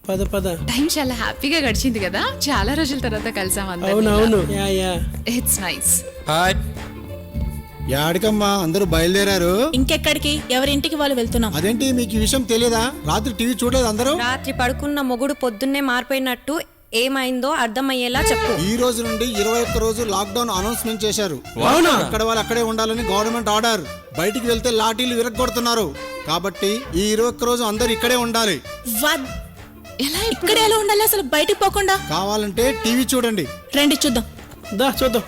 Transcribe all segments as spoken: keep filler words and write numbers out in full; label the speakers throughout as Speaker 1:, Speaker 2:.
Speaker 1: పద పద.
Speaker 2: టైం చాలా హ్యాపీగా గడిచింది కదా, చాలా రోజుల తర్వాత కలిసాం అందరం.
Speaker 1: అవునవును. Yeah yeah.
Speaker 2: It's nice.
Speaker 3: Hi.
Speaker 4: యాడికమ్మా అందరూ బయలుదేరారు?
Speaker 5: ఇంకెక్కడికి? ఎవరింటికి వాళ్ళు వెళ్తున్నాం.
Speaker 4: అదేంటి మీకు ఈ విషయం తెలియదా? రాత్రి టీవీ చూడలేదు అందరూ?
Speaker 6: రాత్రి పడుకున్న మొగుడు పొద్దున్నే మారిపోయినట్టు ఏమైందో అర్థమయ్యేలా చెప్పు.
Speaker 4: ఈ రోజు నుండి ఇరవై ఒక్క రోజు లాక్డౌన్ అనౌన్స్మెంట్ చేశారు.
Speaker 1: అవునా?
Speaker 4: అక్కడ వాళ్ళు అక్కడే ఉండాలని గవర్నమెంట్ ఆర్డర్. బయటికి వెళ్తే లాఠీలు విరగొడుతున్నారు. కాబట్టి ఈ ఇరవై ఒక్క రోజు అందరు ఇక్కడే ఉండాలి.
Speaker 5: వద్. ఎలా ఇక్కడ ఎలా ఉండాలి అసలు బయటికి పోకుండా?
Speaker 4: కావాలంటే టీవీ చూడండి.
Speaker 5: రండి చూద్దాం.
Speaker 1: దా చూద్దాం.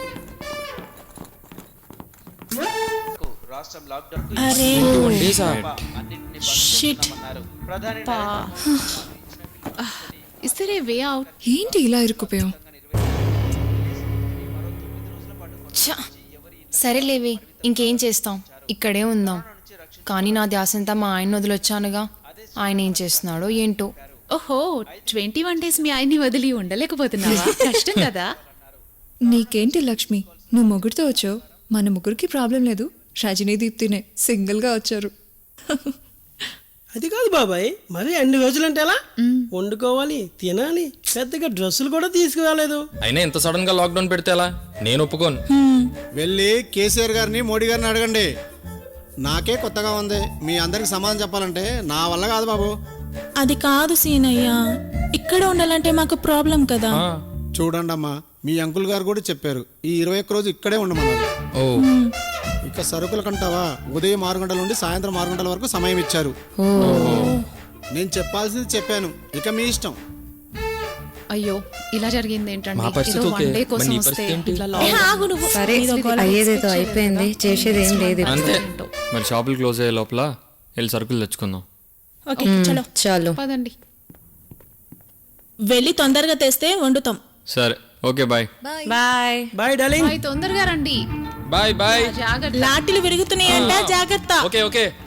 Speaker 5: అరే
Speaker 3: డేసా?
Speaker 5: Shit.
Speaker 2: Is there a way out?
Speaker 7: ఏంటి ఇలా ఇరుక్కుపోయావు?
Speaker 8: సరేలేవి, ఇంకేం చేస్తాం, ఇక్కడే ఉందాం. కానీ నా ధ్యాసంతా మా ఆయన వదిలొచ్చానుగా. ఆయన ఏం చేస్తున్నాడో ఏంటో.
Speaker 2: ఓహో, ట్వంటీ వన్ డేస్ మీ ఆయన్ని వదిలి ఉండలేకపోతున్నావా? కష్టం కదా.
Speaker 7: నీకేంటి లక్ష్మి, నువ్వు మొగుడితో వచ్చావు, మన ముగ్గురికి ప్రాబ్లం లేదు. రజనీ దీప్తినే సింగిల్ గా వచ్చారు.
Speaker 1: అది కాదు బాబాయ్, మరి అన్ని రోజులంటే ఎలా? వండుకోవాలి, తినాలి, పెద్దగా డ్రెస్సులు కూడా తీసుకురాలేదు.
Speaker 3: అయినా ఇంత సడన్ గా లాక్డౌన్ పెడితే ఎలా? నేను ఒప్పుకోను.
Speaker 4: వెళ్ళి కేసీఆర్ గారిని మోడీ గారిని అడగండి. నాకే కొత్తగా ఉంది. మీ అందరికి సమాధానం చెప్పాలంటే నా వల్ల కాదు బాబు.
Speaker 5: అది కాదు సీనయ్య, ఇక్కడ ఉండాలంటే మాకు ప్రాబ్లం కదా.
Speaker 4: చూడండి అమ్మా, మీ అంకుల్ గారు కూడా చెప్పారు ఈ ఇరవై ఒక్క రోజు ఇక్కడే ఉండమన్నారు.
Speaker 3: ఓ,
Speaker 4: ఇక సరుకుల కంటావా, ఉదయం ఆరు గంటల నుండి సాయంత్రం ఆరు గంటల వరకు సమయం ఇచ్చారు. నేను చెప్పాల్సింది చెప్పాను, ఇక మీ ఇష్టం.
Speaker 2: అయ్యో, ఇలా జరిగింది ఏంటంటే,
Speaker 3: మా పరిస్థితి
Speaker 2: ఏదో
Speaker 3: ఓకే,
Speaker 2: వన్ డే
Speaker 3: మరి
Speaker 2: కోసం
Speaker 3: నీ
Speaker 2: వస్తే
Speaker 3: పరిస్థితి ఏంటి?
Speaker 2: ఇట్లా
Speaker 5: ఏ, ఆగు నువ్వు.
Speaker 6: సరే
Speaker 5: ఏదో గొడవ.
Speaker 6: అయ్యేదేదో అయిపోయింది, చేసేది ఏం లేదు.
Speaker 3: అంతే. మరి షాపులు క్లోజ్ అయ్యే లోపల వెళ్ళి సరుకులు తెచ్చుకుందాం.
Speaker 5: ఓకే చలో
Speaker 6: చాలు.
Speaker 2: పదండి.
Speaker 5: వెళ్ళి తొందరగా తెస్తే వండుతాం.
Speaker 3: సరే, okay, bye.
Speaker 6: Bye.
Speaker 1: Bye darling.
Speaker 2: Bye, తొందరగా రండి.
Speaker 3: Bye bye.
Speaker 2: జాగ్రత్త.
Speaker 5: లాఠీలు విరుగుతున్నాయంట, జాగ్రత్త.
Speaker 3: Okay okay.